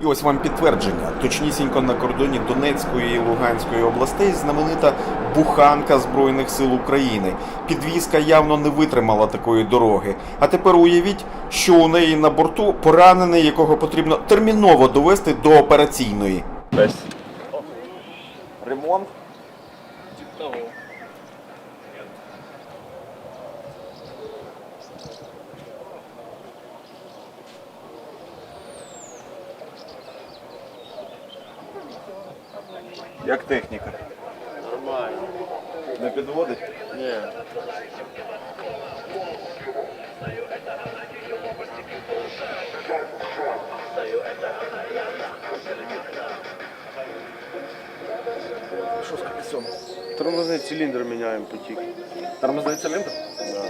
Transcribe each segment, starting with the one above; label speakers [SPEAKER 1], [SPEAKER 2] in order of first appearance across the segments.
[SPEAKER 1] І ось вам підтвердження. Точнісінько на кордоні Донецької і Луганської областей знаменита буханка Збройних сил України. Підвізка явно не витримала такої дороги. А тепер уявіть, що у неї на борту поранений, якого потрібно терміново довести до операційної. Ремонт? Як техніка?
[SPEAKER 2] Нормально.
[SPEAKER 1] Не підводить?
[SPEAKER 2] Ні.
[SPEAKER 1] Що з колесом?
[SPEAKER 2] Тормозний циліндр міняємо потік.
[SPEAKER 1] Тормозний циліндр?
[SPEAKER 2] Да.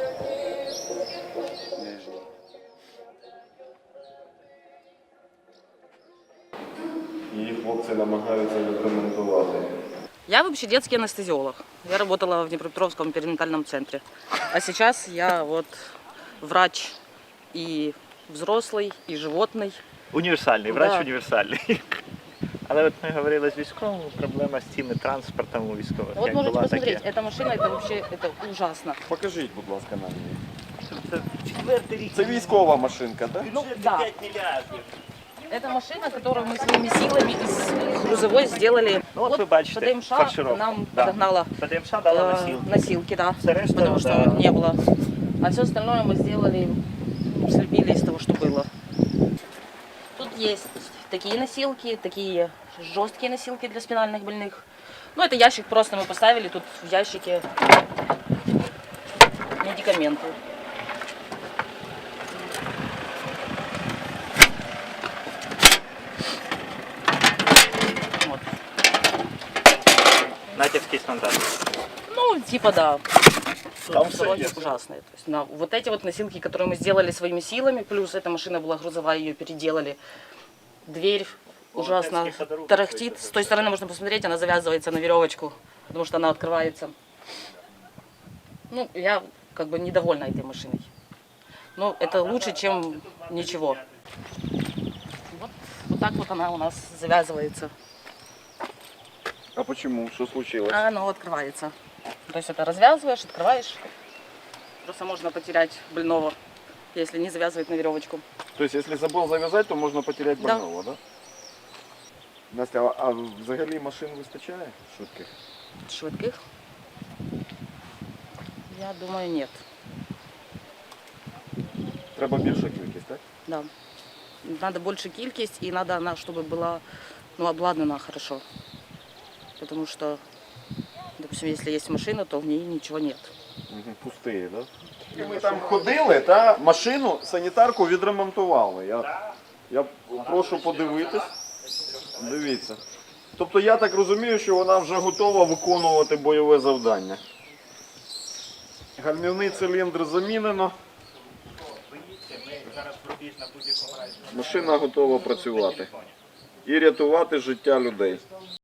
[SPEAKER 2] Нижній.
[SPEAKER 1] Її хлопці намагаються відремонтувати.
[SPEAKER 3] Я вообще детский анестезиолог. Я работала в Днепропетровском перинатальном центре. А сейчас я вот врач и взрослый, и животный.
[SPEAKER 4] Універсальний, врач
[SPEAKER 3] Да.
[SPEAKER 4] універсальний. Але от ми говорили з військовим, проблема з цими транспортом у військових.
[SPEAKER 3] Вот
[SPEAKER 4] як
[SPEAKER 3] можете
[SPEAKER 4] була,
[SPEAKER 3] посмотреть,
[SPEAKER 4] таке.
[SPEAKER 3] эта машина, это вообще это ужасно.
[SPEAKER 1] Покажіть, будь ласка, нам її.
[SPEAKER 4] Це четвертий рік.
[SPEAKER 1] Це військова машинка, так?
[SPEAKER 3] Ну да,
[SPEAKER 4] 5 мільярдів.
[SPEAKER 3] это машина, которую мы своими силами из грузовой сделали.
[SPEAKER 4] Ну, от ви бачите,
[SPEAKER 3] ПДМШ
[SPEAKER 4] фаршировка.
[SPEAKER 3] нам
[SPEAKER 4] Да.
[SPEAKER 3] подогнала
[SPEAKER 4] ПДМШ дала носілки.
[SPEAKER 3] носилки, да,
[SPEAKER 4] Все решта,
[SPEAKER 3] потому что
[SPEAKER 4] да.
[SPEAKER 3] не было. А все остальное мы сделали, слепили из того, что было. Тут есть такие носилки, такие жесткие носилки для спинальных больных. Ну, это ящик просто мы поставили, тут в ящике медикаменты. Вот.
[SPEAKER 4] Натівський стандарт.
[SPEAKER 3] Ну, типа да.
[SPEAKER 1] Там
[SPEAKER 3] Дороги
[SPEAKER 1] все є.
[SPEAKER 3] ужасные. То есть, вот эти вот носилки, которые мы сделали своими силами, плюс эта машина была грузовая, ее переделали. Дверь ужасно
[SPEAKER 4] Волонтерский ходоруб
[SPEAKER 3] тарахтит.
[SPEAKER 4] какой-то.
[SPEAKER 3] С той стороны можно посмотреть, она завязывается на веревочку, потому что она открывается. Ну, я как бы недовольна этой машиной. Но это лучше, чем ничего. Вот так вот она у нас завязывается.
[SPEAKER 1] А почему? Що случилось?
[SPEAKER 3] А оно открывается. То есть это развязываешь, открываешь. Просто можно потерять больного, если не завязывать на веревочку.
[SPEAKER 1] Тобто, якщо забув зав'язати, то можна потеряти
[SPEAKER 3] Да.
[SPEAKER 1] больного, так? Настя, а взагалі машин вистачає швидких?
[SPEAKER 3] Швидких? Я думаю, нет.
[SPEAKER 1] Треба більша кількість, так?
[SPEAKER 3] Да. Надо больше кількість и надо она, чтобы была обладнана хорошо. Потому что, допустим, если есть машина, то в ней ничего нет.
[SPEAKER 1] Угу. Пустиє, так? І ми там ходили, та машину, санітарку відремонтували. Я прошу подивитись. Дивіться. Тобто я так розумію, що вона вже готова виконувати бойове завдання. Гальмівний циліндр замінено. Машина готова працювати і рятувати життя людей.